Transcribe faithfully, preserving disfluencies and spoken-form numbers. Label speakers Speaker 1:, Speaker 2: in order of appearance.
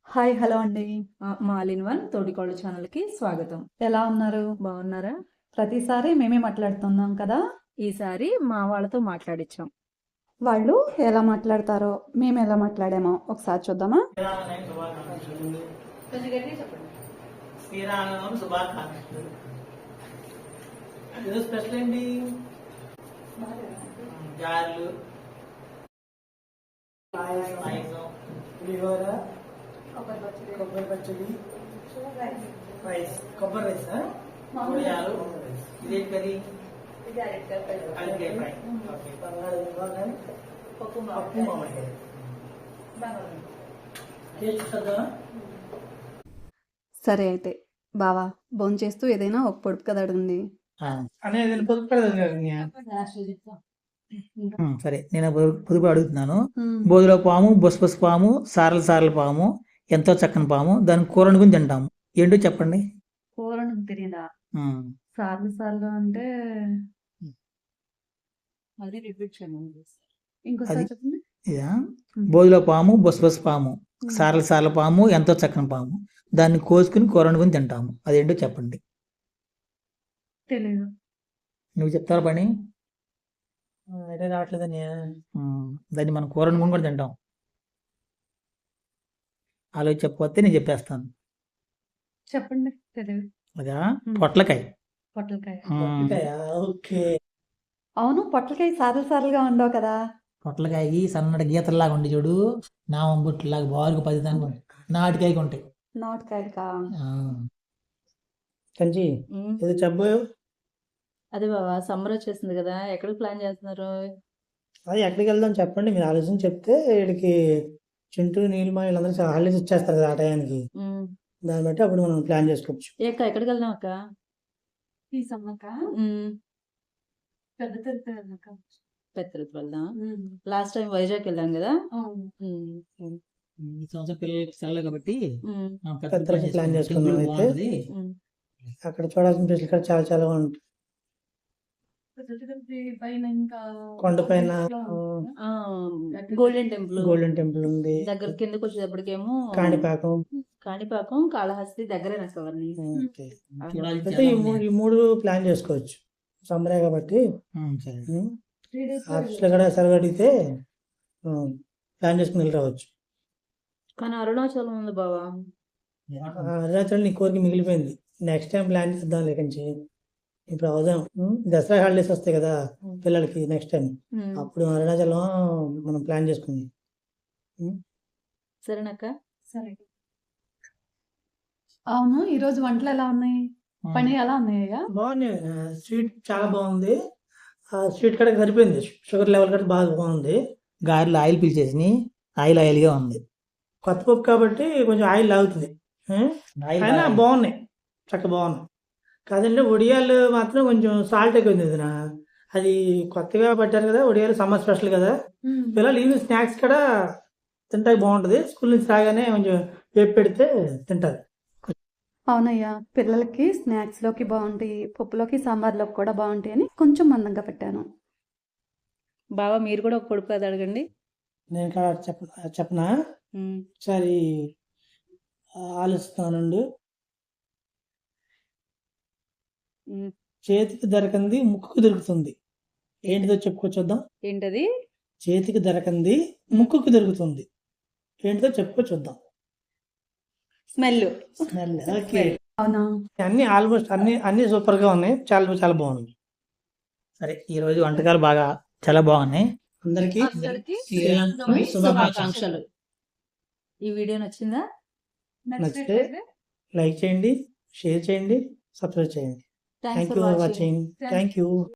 Speaker 1: Hi hello అండి.
Speaker 2: మా all in one తోటికోడలు ఛానల్కి స్వాగతం.
Speaker 1: ఎలా ఉన్నారు?
Speaker 2: బాగున్నారా?
Speaker 1: ప్రతిసారి మేమే మాట్లాడుతున్నాం కదా.
Speaker 2: ఈసారి మా వాళ్ళతో మాట్లాడించాం.
Speaker 1: వాళ్ళు ఎలా మాట్లాడతారో మేము ఎలా మాట్లాడామో ఒకసారి చూద్దామా?
Speaker 3: శ్రీరామనవమి శుభాకాంక్షలు. ఈరోజు స్పెషల్ ఏంటి? గారెలు, పాయసం, పులిహోర, కొబ్బరి పచ్చడి, రైస్, కొబ్బరి రైస్, వడియాలు. ఇదే కర్రీ అరటికాయ ఫ్రై, ఓకే, బంగాళదుంప, పప్పు మామిడికాయ. టేస్ట్ చూద్దామా?
Speaker 1: సరే అయితే బావా భోంచేస్తూ ఏదైనా ఒక పొడుపు కథ అడగండి.
Speaker 3: అనేది పొదుపు పెడదాం. సరే, నేను పొదుపు పొదుపు అడుగుతున్నాను. బోధిలో పాము, బొస్బొస్ పాము, సారల సారల పాము, ఎంతో చక్కని పాము, దాని కూర వండుకుని తింటాము. ఏంటో చెప్పండి.
Speaker 1: కూర తెలియదా?
Speaker 3: ఉమ్.
Speaker 1: సార్లు సార్లు అంటే అది రిపీట్ చేయండి ఇంకోసారి
Speaker 3: అది-
Speaker 1: చెప్పండి.
Speaker 3: ఇదా? బోధిలో పాము, బొస్బొస్ పాము, సారల సారల పాము, ఎంతో చక్కని పాము, దాన్ని కోసుకుని కూర వండుకుని తింటాము. అదేంటో చెప్పండి.
Speaker 1: తెలియదు.
Speaker 3: నువ్వు చెప్తారా పని? అయితే రావట్లేదని. దాన్ని మనం కూర వండుకుని కూడా తింటాం. ఆలోచి చెప్పకపోతే నేను చెప్పేస్తాను.
Speaker 1: చెప్పండి. తెలియదు.
Speaker 3: అదా? పొట్లకాయ.
Speaker 1: పొట్లకాయ.
Speaker 3: ఓకే.
Speaker 1: అవును, పొట్లకాయ సార్లు సార్లుగా ఉండవు కదా.
Speaker 3: పొట్లకాయకి సన్నటి గీతల్లాగా ఉండి చూడు, నామం బుట్టులాగా బారుగా పది దాని నాటికాయకి ఉంటాయి.
Speaker 1: నాటుకాయకా?
Speaker 3: కంచి ఇది చెప్పబోయో.
Speaker 2: అదే బాబా, సమ్మర్ వచ్చేసింది కదా, ఎక్కడికి ప్లాన్ చేస్తున్నారు?
Speaker 3: అది ఎక్కడికి వెళ్దాం చెప్పండి. మీరు ఆలోచన చెప్తే వీడికి చింటూ నీలిమా వీళ్ళందరూ హాలిడేస్ ఇచ్చేస్తారు కదా ఆ టయానికి.
Speaker 2: ఉమ్.
Speaker 3: దాన్ని బట్టి అప్పుడు మనం ప్లాన్ చేసుకోవచ్చు.
Speaker 2: ఏ అక్క, ఎక్కడికి వెళ్దాం అక్క?
Speaker 1: ఈ సమ్మక
Speaker 2: ఉమ్.
Speaker 1: పెద్ద తిరుపతి వెళ్ళాక.
Speaker 2: పెద్ద తిరుపతి వెళ్దాం. లాస్ట్ టైం వైజాగ్ వెళ్ళాం కదా. ఉమ్.
Speaker 3: ఈ సంవత్సరం పిల్లలకి సెలవు కాబట్టి
Speaker 2: ఉమ్.
Speaker 3: పెద్ద ప్లాన్ చేసుకున్నాం. అయితే
Speaker 2: ఉమ్.
Speaker 3: అక్కడ చూడాల్సిన ప్లేస్లు కూడా చాలా చాలా ఉంటాయి.
Speaker 1: పెద్ద తిరుపతి పైన ఇంకా
Speaker 3: కొండపైన
Speaker 2: ఆ, గోల్డెన్ టెంపుల్.
Speaker 3: గోల్డెన్ టెంపుల్ ఉంది.
Speaker 2: దగ్గర కిందకి వచ్చేటప్పటికేమో
Speaker 3: కాణిపాకం.
Speaker 2: కాణిపాకం, కాళహస్తి దగ్గరే నాకు అవన్నీ.
Speaker 3: ఓకే. అయితే ఈ మూడు ఈ మూడు ప్లాన్ చేసుకోవచ్చు. సమ్మరే కాబట్టి ఆఫీస్ లో కూడా సెలవు అడిగితే ప్లాన్ చేసుకుని వెళ్ళి రావచ్చు.
Speaker 2: కానీ అరుణాచలం ఉంది బావా.
Speaker 3: అరుణాచలం నీ కోరిక మిగిలిపోయింది. నెక్స్ట్ టైం ప్లాన్ చేద్దాం లేకంచి. ఇప్పుడు అవదాం. దసరా హాలిడేస్ వస్తాయి కదా పిల్లలకి నెక్స్ట్ టైం.
Speaker 2: ఉమ్.
Speaker 3: అప్పుడు అరుణాచలం మనం ప్లాన్ చేసుకుందాం.
Speaker 2: సరేనక్క.
Speaker 1: సరే. అవును, ఈ రోజు వంటలు ఎలా ఉన్నాయి? పని ఎలా ఉన్నాయ్యా?
Speaker 3: బాగుంది. స్వీట్ చాలా బాగుంది. ఆ స్వీట్ కూడా సరిపోయింది. షుగర్ లెవెల్ కూడా బాగా బాగుంది. గారెలు ఆయిల్ పీల్చేసి ఆయిల్ ఆయిల్గా ఉంది. కొత్త పప్పు కాబట్టి కొంచెం ఆయిల్ లాగుతుంది. అయినా బాగున్నాయి, చక్కగా బాగున్నాయి. కాదండి, వడియాలు మాత్రం కొంచెం సాల్ట్ ఎక్కువ ఉంది. నా అది కొత్తగా పట్టారు కదా వడియాలు, సమ్మర్ స్పెషల్ కదా. పిల్లలు ఈవినింగ్ స్నాక్స్ కూడా తింటాకి బాగుంటుంది. స్కూల్ నుంచి రాగానే కొంచెం వేపు పెడితే తింటారు.
Speaker 1: అవునయ్యా, పిల్లలకి స్నాక్స్ లోకి బాగుంటాయి, పప్పులోకి సాంబార్లోకి కూడా బాగుంటాయి అని కొంచెం మందంగా పెట్టాను.
Speaker 2: బావా, మీరు కూడా ఒక పొడుపు కథ అడగండి.
Speaker 3: నేను ఇక్కడ చెప్ప చెప్పనా?
Speaker 2: ఉమ్.
Speaker 3: ఒకసారి ఆలోచిస్తానండి.
Speaker 2: ఉమ్.
Speaker 3: చేతికి దొరకంది ముక్కుకు దొరుకుతుంది. ఏంటిదో చెప్పుకో చూద్దాం.
Speaker 2: ఏంటది?
Speaker 3: చేతికి దొరకంది ముక్కుకు దొరుకుతుంది. ఏంటిదో చెప్పుకో చూద్దాం.
Speaker 2: స్మెల్.
Speaker 3: స్మెల్. ఓకే.
Speaker 1: అవునా?
Speaker 3: అన్ని ఆల్మోస్ట్ అన్ని అన్ని సూపర్ గా ఉన్నాయి. చాలా చాలా బాగుంది. సరే, ఈ రోజు వంటకాలు బాగా చాలా బాగున్నాయి. అందరికి శ్రీరామనవమి
Speaker 2: శుభాకాంక్షలు. ఈ వీడియో నచ్చిందా?
Speaker 3: నచ్చితే లైక్ చేయండి, షేర్ చేయండి, సబ్స్క్రైబ్ చేయండి. Thank you for watching. Thank you.